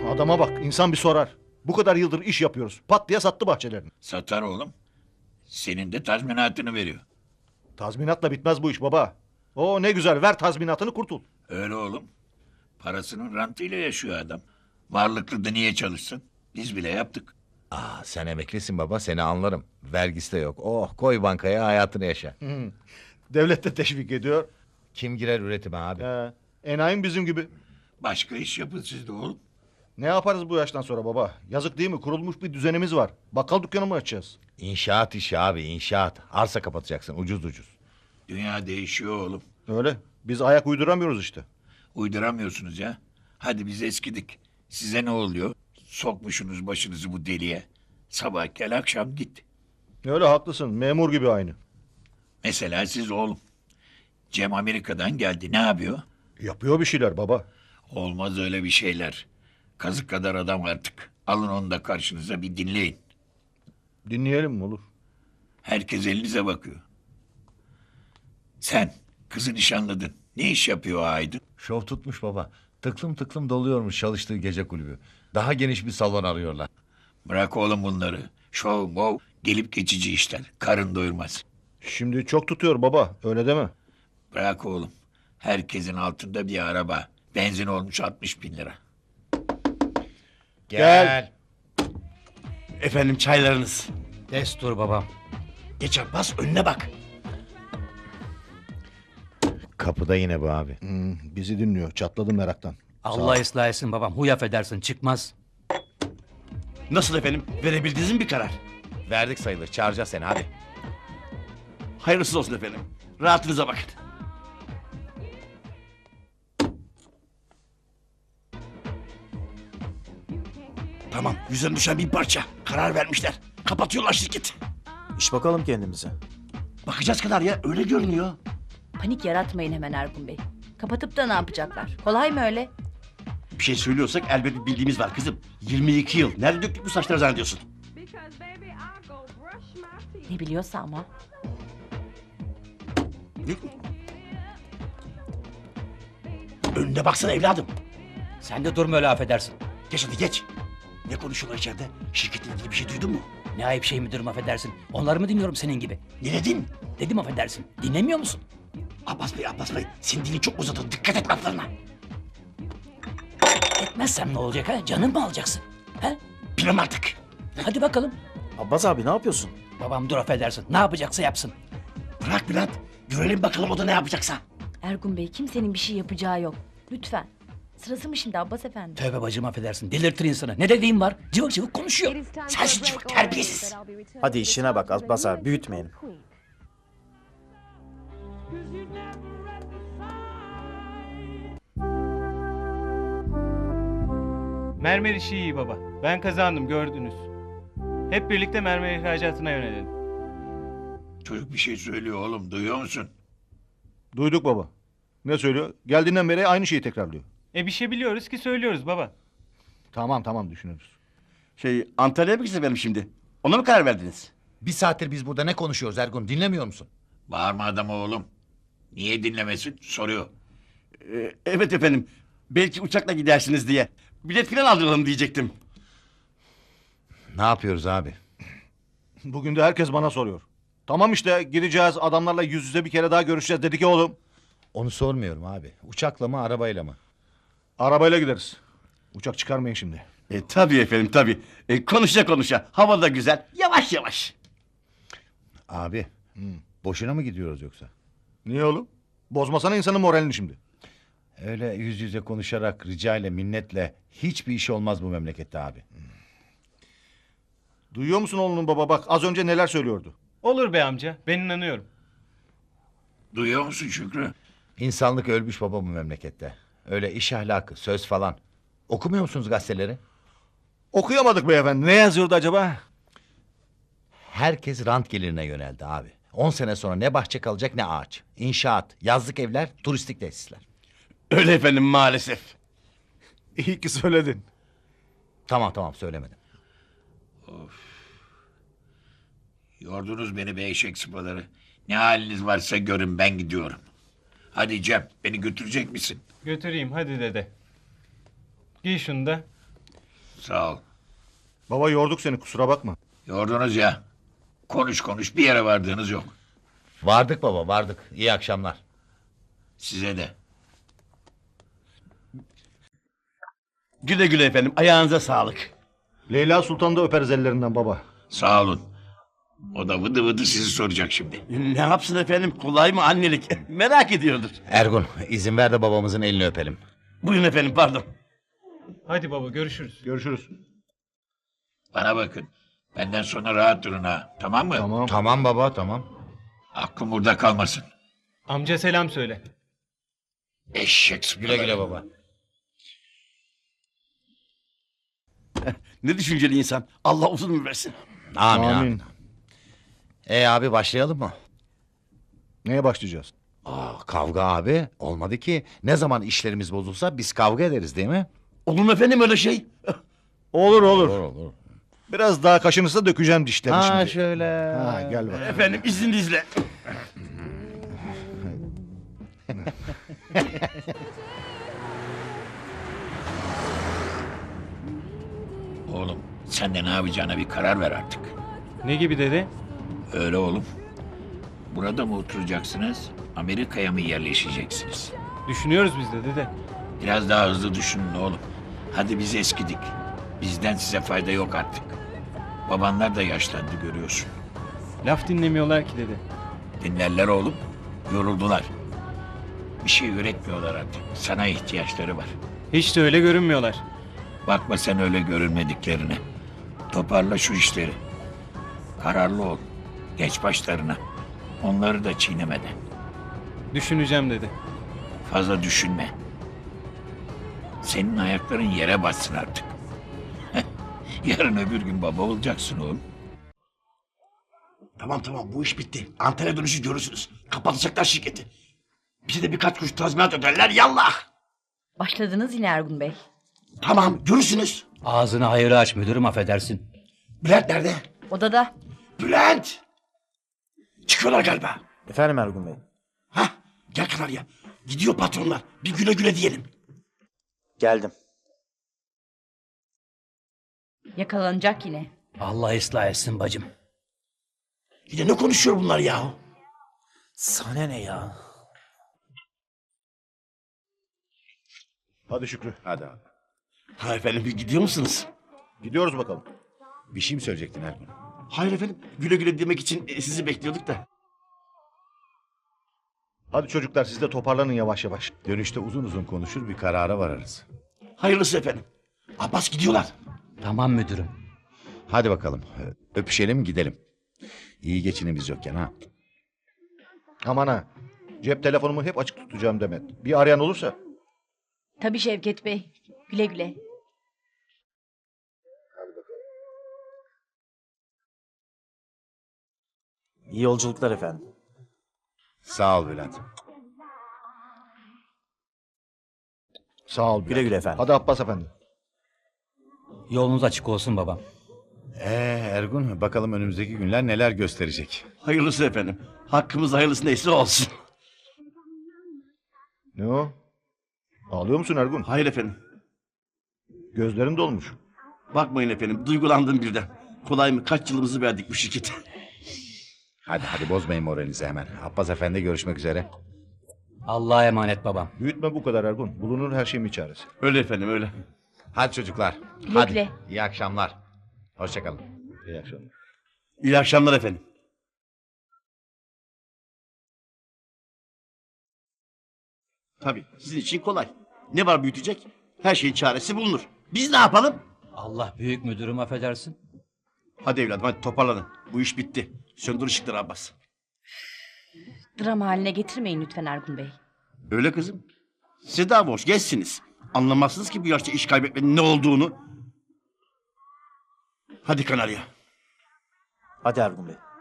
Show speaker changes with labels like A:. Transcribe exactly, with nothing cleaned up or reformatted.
A: Adama bak, insan bir sorar. Bu kadar yıldır iş yapıyoruz. Pat diye sattı bahçelerini.
B: Satar oğlum. Senin de tazminatını veriyor.
A: Tazminatla bitmez bu iş baba. O ne güzel, ver tazminatını kurtul.
B: Öyle oğlum. Parasının rantıyla yaşıyor adam. Varlıklı da niye çalışsın? Biz bile yaptık.
C: Aa, sen emeklisin baba, seni anlarım. Vergisi de yok. Oh, koy bankaya, hayatını yaşa.
A: Devlet de teşvik ediyor.
C: Kim girer üretime abi?
A: He, enayim bizim gibi.
B: Başka iş yapın siz de oğlum.
A: Ne yaparız bu yaştan sonra baba? Yazık değil mi? Kurulmuş bir düzenimiz var. Bakkal dükkanı mı açacağız?
C: İnşaat işi abi, inşaat. Arsa kapatacaksın ucuz ucuz.
B: Dünya değişiyor oğlum.
A: Öyle. Biz ayak uyduramıyoruz işte.
B: Uyduramıyorsunuz ya. Hadi biz eskidik. Size ne oluyor? Sokmuşsunuz başınızı bu deliğe. Sabah gel akşam git.
A: Öyle haklısın. Memur gibi aynı.
B: Mesela siz oğlum. Cem Amerika'dan geldi. Ne yapıyor?
A: Yapıyor bir şeyler baba.
B: Olmaz öyle bir şeyler. Kazık kadar adam artık. Alın onu da karşınıza bir dinleyin.
A: Dinleyelim mi olur?
B: Herkes elinize bakıyor. Sen kızı nişanladın. Ne iş yapıyor o Aydın?
C: Şov tutmuş baba. Tıklım tıklım doluyormuş çalıştığı gece kulübü. Daha geniş bir salon arıyorlar.
B: Bırak oğlum bunları. Şov, mov, gelip geçici işler. Karın doyurmaz.
A: Şimdi çok tutuyor baba. Öyle deme.
B: Bırak oğlum. Herkesin altında bir araba. Benzin olmuş altmış bin lira.
A: Gel.
D: Efendim çaylarınız.
E: Destur babam.
D: Geç Abbas önüne bak.
C: Kapıda yine bu abi.
A: Hmm, bizi dinliyor. Çatladım meraktan.
E: Allah ıslah etsin babam. Huy affedersin çıkmaz.
D: Nasıl efendim? Verebildiniz mi bir karar?
C: Verdik sayılır, çağıracağız seni hadi.
D: Hayırlısı olsun efendim. Rahatınıza bakın. Tamam, yüzden düşen bir parça. Karar vermişler. Kapatıyorlar şirketi.
F: İş bakalım kendimize.
D: Bakacağız kadar ya, öyle görünüyor.
G: Panik yaratmayın hemen Ergun Bey. Kapatıp da ne yapacaklar? Kolay mı öyle?
D: Bir şey söylüyorsak elbet bir bildiğimiz var kızım. yirmi iki yıl. Nerede döktük bu saçları zannediyorsun?
G: Ne biliyorsa ama.
D: Önüne baksana evladım.
E: Sen de durma öyle affedersin.
D: Geç hadi geç. Ne konuşuyorlar içeride? Şirketle ilgili bir şey duydun mu?
E: Ne ayıp şey müdürüm affedersin. Onları mı dinliyorum senin gibi?
D: Ne dedin?
E: Dedim affedersin. Dinlemiyor musun?
D: Abbas Bey, Abbas Bey. Senin dilin çok uzadı. Dikkat et laflarına.
E: Etmezsem ne olacak ha? Canın mı alacaksın? Ha?
D: Bilmem artık.
E: Hadi bakalım.
F: Abbas abi ne yapıyorsun?
E: Babam dur affedersin. Ne yapacaksa yapsın.
D: Bırak Bülent. Görelim bakalım o da ne yapacaksa.
G: Ergun Bey kimsenin bir şey yapacağı yok. Lütfen. Sırası mı şimdi Abbas Efendi?
E: Tövbe bacım affedersin. Delirtir insanı. Ne dediğim var? Cıvık cıvık konuşuyor.
D: Sensin cıvık, terbiyesiz.
F: Hadi işine bak Abbas abi büyütmeyelim.
H: Mermer işi iyi baba. Ben kazandım gördünüz. Hep birlikte mermer ihracatına yönelelim.
B: Çocuk bir şey söylüyor oğlum. Duyuyor musun?
A: Duyduk baba. Ne söylüyor? Geldiğinden beri aynı şeyi tekrarlıyor.
H: E bir şey biliyoruz ki söylüyoruz baba.
A: Tamam tamam düşünürüz.
D: Şey, Antalya'ya mı gideceğiz benim şimdi? Ona mı karar verdiniz?
C: Bir saattir biz burada ne konuşuyoruz Ergun, dinlemiyor musun?
B: Bağırma adama oğlum. Niye dinlemesin? Soruyor.
D: Ee, evet efendim. Belki uçakla gidersiniz diye. Bilet falan aldıralım diyecektim.
C: Ne yapıyoruz abi?
A: Bugün de herkes bana soruyor. Tamam işte gideceğiz adamlarla yüz yüze bir kere daha görüşeceğiz dedik ya oğlum.
C: Onu sormuyorum abi. Uçakla mı, arabayla mı?
A: Arabayla gideriz. Uçak çıkarmayın şimdi.
D: E, tabii efendim tabii. E, konuşa konuşa. Hava da güzel. Yavaş yavaş.
C: Abi, boşuna mı gidiyoruz yoksa?
A: Niye oğlum? Bozmasana insanın moralini şimdi.
C: Öyle yüz yüze konuşarak, rica ile, minnetle hiçbir iş olmaz bu memlekette abi.
A: Duyuyor musun oğlunun baba bak az önce neler söylüyordu.
H: Olur be amca. Ben inanıyorum.
B: Duyuyor musun Şükrü?
C: İnsanlık ölmüş baba bu memlekette. Öyle iş ahlakı, söz falan. Okumuyor musunuz gazeteleri?
A: Okuyamadık beyefendi. Ne yazıyordu acaba?
C: Herkes rant gelirine yöneldi abi. On sene sonra ne bahçe kalacak ne ağaç. İnşaat, yazlık evler, turistik tesisler.
D: Öyle efendim maalesef.
A: İyi ki söyledin.
C: Tamam tamam söylemedim.
B: Yordunuz beni be eşek sıpaları. Ne haliniz varsa görün ben gidiyorum. Hadi Cem beni götürecek misin?
H: Götüreyim hadi dede. Giy şunu da.
B: Sağ ol.
A: Baba yorduk seni kusura bakma.
B: Yordunuz ya. Konuş konuş bir yere vardığınız yok.
C: Vardık baba vardık. İyi akşamlar.
B: Size de.
D: Güle güle efendim. Ayağınıza sağlık.
A: Leyla Sultan da öperiz ellerinden baba.
B: Sağ olun. O da vıdı vıdı sizi soracak şimdi.
D: Ne yapsın efendim? Kolay mı annelik? Merak ediyordur.
C: Ergun izin ver de babamızın elini öpelim.
D: Buyurun efendim pardon.
H: Hadi baba görüşürüz.
A: Görüşürüz.
B: Bana bakın. Benden sonra rahat durun ha. Tamam mı?
A: Tamam.
C: Tamam baba tamam.
B: Aklım burada kalmasın.
H: Amca selam söyle.
B: Eşek sıpaları.
C: Güle güle baba.
D: Ne düşünceli insan. Allah uzun ömür versin.
C: Amin amin.
A: Amin.
C: E abi başlayalım mı?
A: Neye başlayacağız?
C: Aa, kavga abi olmadı ki. Ne zaman işlerimiz bozulsa biz kavga ederiz değil mi?
D: Olur mu efendim öyle şey?
A: Olur olur.
C: olur.
A: Biraz daha kaşınırsa dökeceğim dişlerini
C: Ha
A: şimdi.
C: şöyle.
A: Ha gel bak.
D: Efendim izninizle.
B: Oğlum sen de ne yapacağına bir karar ver artık.
H: Ne gibi dede?
B: Öyle oğlum. Burada mı oturacaksınız? Amerika'ya mı yerleşeceksiniz?
H: Düşünüyoruz biz de dede.
B: Biraz daha hızlı düşünün oğlum. Hadi biz eskidik. Bizden size fayda yok artık. Babanlar da yaşlandı görüyorsun.
H: Laf dinlemiyorlar ki dede.
B: Dinlerler oğlum. Yoruldular. Bir şey üretmiyorlar artık. Sana ihtiyaçları var.
H: Hiç de öyle görünmüyorlar.
B: Bakma sen öyle görünmediklerine. Toparla şu işleri. Kararlı ol. Geç başlarına. Onları da çiğnemeden.
H: Düşüneceğim dede.
B: Fazla düşünme. Senin ayakların yere bassın artık. Yarın öbür gün baba olacaksın oğlum.
D: Tamam tamam bu iş bitti. Antalya dönüşü görürsünüz. Kapatacaklar şirketi. Bize de birkaç kuruş tazminat öderler yallah.
G: Başladınız yine Ergun Bey.
D: Tamam görürsünüz.
E: Ağzını hayırlı aç müdürüm affedersin.
D: Bülent nerede?
G: Odada.
D: Bülent! Çıkıyorlar galiba.
F: Efendim Ergun Bey.
D: Hah gel Kanarya. Gidiyor patronlar. Bir güle güle diyelim.
F: Geldim.
G: Yakalanacak yine.
E: Allah ıslah etsin bacım.
D: Yine ne konuşuyor bunlar yahu?
F: Sana ne ya?
A: Hadi Şükrü.
C: Hadi abi.
D: Ha efendim gidiyor musunuz?
A: Gidiyoruz bakalım.
C: Bir şey mi söyleyecektin Ergun?
D: Hayır efendim. Güle güle demek için e, sizi bekliyorduk da.
A: Hadi çocuklar siz de toparlanın yavaş yavaş.
C: Dönüşte uzun uzun konuşur bir karara vararız.
D: Hayırlısı efendim. Abbas gidiyorlar.
E: Tamam müdürüm.
C: Hadi bakalım öpüşelim gidelim. İyi geçinin biz yokken ha.
A: Aman ha. Cep telefonumu hep açık tutacağım Demet. Bir arayan olursa.
G: Tabii Şevket Bey. Güle güle.
F: İyi yolculuklar efendim.
C: Sağ ol Bülent.
A: Sağ ol. Bülent.
F: Güle güle efendim.
A: Hadi Abbas efendi.
E: Yolunuz açık olsun babam.
C: Ee Ergun bakalım önümüzdeki günler neler gösterecek.
D: Hayırlısı efendim. Hakkımız hayırlısı neyse olsun.
A: Ne o? Ağlıyor musun Ergun?
D: Hayır efendim.
A: Gözlerin dolmuş.
D: Bakmayın efendim. Duygulandım birden. Kolay mı? Kaç yılımızı verdik bu şirkete.
C: Hadi hadi bozmayın moralinizi hemen. Abbas Efendi görüşmek üzere.
E: Allah'a emanet babam.
A: Büyütme bu kadar Ergun. Bulunur her şeyin bir çaresi.
D: Öyle efendim öyle.
C: Hadi çocuklar.
G: Güle
C: hadi.
G: güle.
C: İyi akşamlar. Hoşçakalın.
A: İyi akşamlar.
D: İyi akşamlar efendim. Tabii sizin için kolay. Ne var büyütecek? Her şeyin çaresi bulunur. Biz ne yapalım?
E: Allah büyük müdürüm affedersin.
D: Hadi evladım hadi toparlanın. Bu iş bitti. Söndür ışıkları Abbas.
G: Dram haline getirmeyin lütfen Ergun Bey.
D: Öyle kızım. Siz daha boş geçsiniz. Anlamazsınız ki bu yaşta iş kaybetmenin ne olduğunu. Hadi Kanarya.
F: Hadi Ergun Bey.